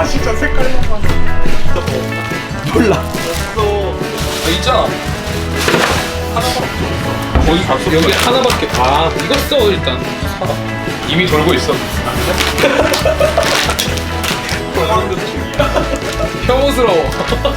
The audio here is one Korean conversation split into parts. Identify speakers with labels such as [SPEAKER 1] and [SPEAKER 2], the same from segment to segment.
[SPEAKER 1] 진짜 색깔만 봐. 진짜 더 없나?
[SPEAKER 2] 몰라.
[SPEAKER 1] 없어.
[SPEAKER 2] 있잖아.
[SPEAKER 1] 하나밖에 없어.
[SPEAKER 2] 거기 갔어. 여기 하나밖에. 아, 이거 써 일단. 사라. 이미 돌고 있어.
[SPEAKER 1] 도망도 중이야.
[SPEAKER 2] 혐오스러워.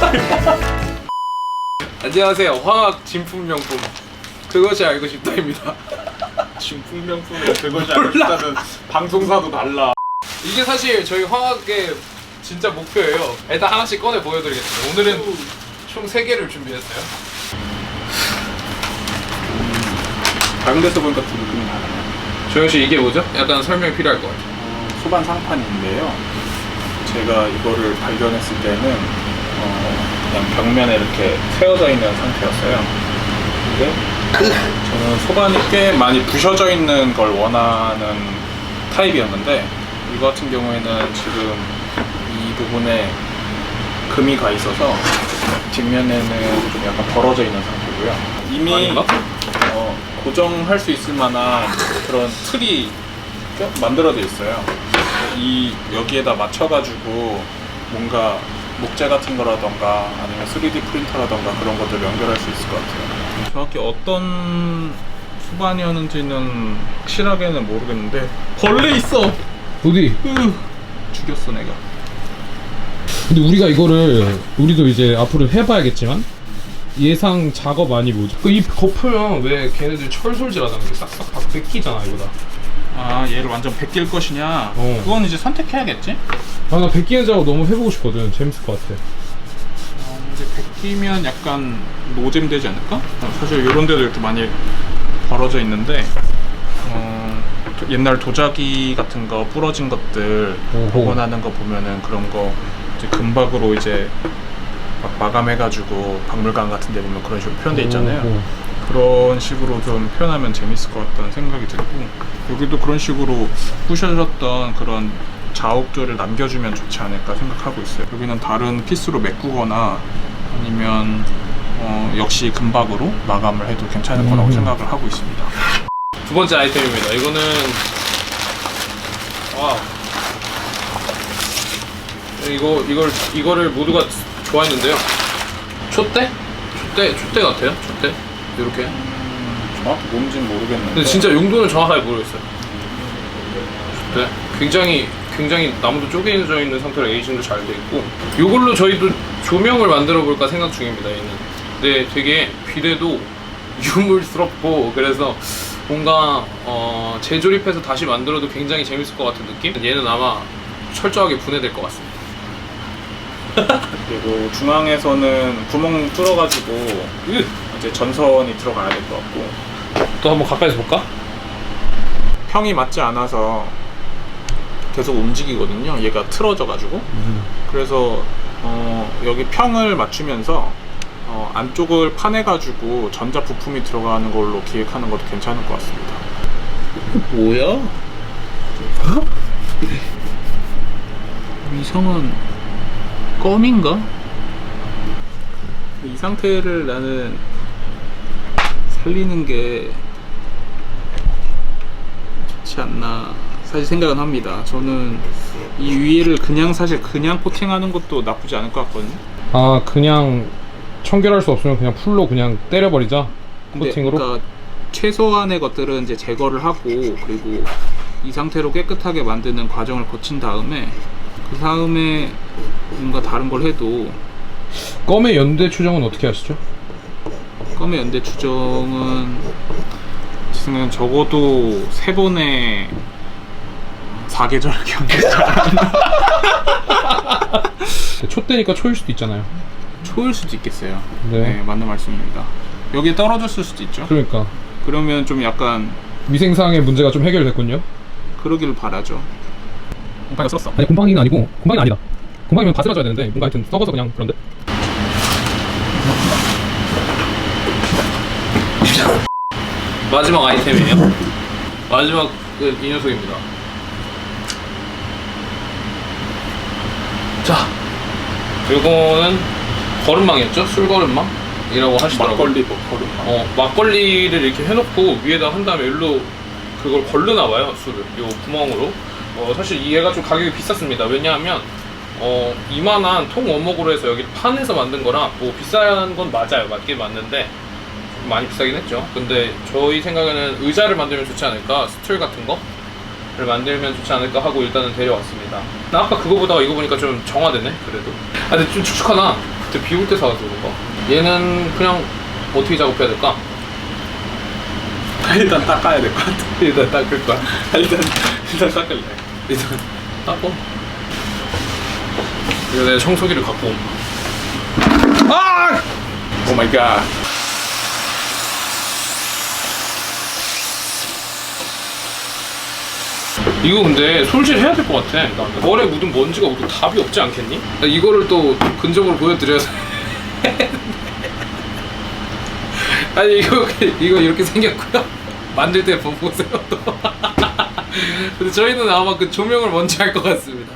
[SPEAKER 2] 안녕하세요. 화학 진품명품 그것이 알고 싶다입니다.
[SPEAKER 1] 진품명품에 그것이 알고 싶다는 방송사도 달라.
[SPEAKER 2] 이게 사실 저희 화학의 진짜 목표예요. 일단 하나씩 꺼내 보여드리겠습니다. 오늘은 총 3개를 준비했어요.
[SPEAKER 1] 다른 데서 보니까 좀 느낌이 나네.
[SPEAKER 2] 조영씨 이게 뭐죠? 약간 설명이 필요할 것 같아요.
[SPEAKER 1] 소반 상판인데요. 제가 이거를 발견했을 때는 그냥 벽면에 이렇게 세워져 있는 상태였어요. 근데 저는 소반이 꽤 많이 부셔져 있는 걸 원하는 타입이었는데 이거 같은 경우에는 지금 이 부분에 금이 가 있어서 뒷면에는 좀 약간 벌어져 있는 상태고요. 이미
[SPEAKER 2] 아닌가?
[SPEAKER 1] 고정할 수 있을 만한 그런 틀이 만들어져 있어요. 이 여기에다 맞춰가지고 뭔가 목재 같은 거라던가 아니면 3D 프린터라던가 그런 것들 연결할 수 있을 것 같아요. 정확히 어떤 수반이었는지는 확실하게는 모르겠는데 벌레 있어.
[SPEAKER 2] 어디?
[SPEAKER 1] 죽였어 내가.
[SPEAKER 3] 근데 우리가 이거를 우리도 이제 앞으로 해봐야겠지만 예상 작업 아니 뭐죠?
[SPEAKER 2] 이 거프면 왜 걔네들 철솔질하다는 게 싹싹 다 뺏기잖아 이거다.
[SPEAKER 1] 아 얘를 완전 베낄 것이냐? 그건 이제 선택해야겠지?
[SPEAKER 3] 아 나 백기는 작업 너무 해보고 싶거든. 재밌을 것 같아.
[SPEAKER 1] 이제 베끼면 약간 노잼 되지 않을까? 사실 이런 데도 이렇게 많이 벌어져 있는데 옛날 도자기 같은 거 부러진 것들 복원하는 거 보면은 그런 거 이제 금박으로 이제 막 마감해가지고 박물관 같은 데 보면 그런 식으로 표현돼 있잖아요. 그런 식으로 좀 표현하면 재밌을 것 같다는 생각이 들고 여기도 그런 식으로 부셔졌던 그런 자욱들을 남겨주면 좋지 않을까 생각하고 있어요. 여기는 다른 피스로 메꾸거나 아니면 역시 금박으로 마감을 해도 괜찮을 거라고 생각을 하고 있습니다.
[SPEAKER 2] 두 번째 아이템입니다. 이거는 와 이거를 모두가 좋아했는데요. 촛대 같아요. 촛대 이렇게.
[SPEAKER 1] 정확히 뭔지는 모르겠는데
[SPEAKER 2] 근데 진짜 용도는 정확하게 모르겠어요. 촛대 굉장히 나무도 쪼개져 있는 상태로 에이징도 잘 돼 있고 이걸로 저희도 조명을 만들어 볼까 생각 중입니다. 얘는. 근데 되게 비례도 유물스럽고 그래서 뭔가 재조립해서 다시 만들어도 굉장히 재밌을 것 같은 느낌? 얘는 아마 철저하게 분해될 것 같습니다.
[SPEAKER 1] 그리고 중앙에서는 구멍 뚫어가지고 이제 전선이 들어가야 될 것 같고
[SPEAKER 2] 또 한번 가까이서 볼까?
[SPEAKER 1] 평이 맞지 않아서 계속 움직이거든요. 얘가 틀어져가지고 그래서 여기 평을 맞추면서 안쪽을 파내가지고 전자 부품이 들어가는 걸로 기획하는 것도 괜찮을 것 같습니다.
[SPEAKER 2] 뭐야?
[SPEAKER 1] 이상한 껌인가? 이 상태를 나는 살리는 게 좋지 않나 사실 생각은 합니다. 저는 이 위에를 사실 그냥 코팅하는 것도 나쁘지 않을 것 같거든요.
[SPEAKER 3] 아 그냥 청결할 수 없으면 그냥 풀로 그냥 때려버리자. 코팅으로.
[SPEAKER 1] 그러니까 최소한의 것들은 이제 제거를 하고 그리고 이 상태로 깨끗하게 만드는 과정을 거친 다음에 그 다음에 뭔가 다른 걸 해도
[SPEAKER 3] 껌의 연대 추정은 어떻게 하시죠?
[SPEAKER 1] 껌의 연대 추정은 제 생각엔 적어도 3번의 4계절 경기지 않았나.
[SPEAKER 3] 촛대니까 초일 수도 있잖아요.
[SPEAKER 1] 초일 수도 있겠어요.
[SPEAKER 3] 네.
[SPEAKER 1] 네, 맞는 말씀입니다. 여기에 떨어졌을 수도 있죠.
[SPEAKER 3] 그러니까
[SPEAKER 1] 그러면 좀 약간
[SPEAKER 3] 위생상의 문제가 좀 해결됐군요.
[SPEAKER 1] 그러기를 바라죠. 곰팡이가 쓸었어.
[SPEAKER 3] 아니 곰팡이는 아니고 곰팡이는 아니다. 곰팡이면 다 쓸어줘야 되는데 뭔가 하여튼 썩어서 그냥 그런데.
[SPEAKER 2] 마지막 아이템이에요. 마지막 이 녀석입니다. 자, 이거는 거름망이었죠? 술거름망이라고 하시더라고요.
[SPEAKER 1] 막걸리 거름망.
[SPEAKER 2] 막걸리를 이렇게 해놓고 위에다 한 다음에 일로 그걸 걸르나봐요, 술을. 요 구멍으로. 사실 얘가 좀 가격이 비쌌습니다. 왜냐하면 이만한 통 원목으로 해서 여기 판에서 만든 거랑 뭐 비싼 건 맞아요. 맞긴 맞는데 좀 많이 비싸긴 했죠. 근데 저희 생각에는 의자를 만들면 좋지 않을까, 스툴 같은 거를 만들면 좋지 않을까 하고 일단은 데려왔습니다. 나 아까 그거 보다가 이거 보니까 좀 정화되네 그래도. 아 근데 좀 축축하나? 그때 비 올 때 사와서 그런가? 얘는 그냥 어떻게 작업해야 될까?
[SPEAKER 1] 일단 닦아야 될 것 같아.
[SPEAKER 2] 일단 닦을 거야.
[SPEAKER 1] 일단 닦을래.
[SPEAKER 2] 일단 닦고. 이거 내가 청소기를 갖고 온. 아!
[SPEAKER 1] 오 마이 갓.
[SPEAKER 2] 이거 근데 솔질 해야 될 것 같아. 머리에 묻은 먼지가 우리 답이 없지 않겠니? 이거를 또 근접으로 보여드려서. 아니 이거 이렇게 생겼고요. 만들 때 보세요 또. 근데 저희는 아마 그 조명을 먼저 할 것 같습니다.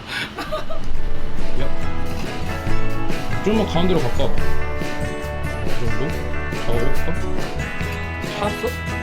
[SPEAKER 3] 좀만 가운데로 갈까? 이 정도? 작업해볼까?
[SPEAKER 2] 샀어?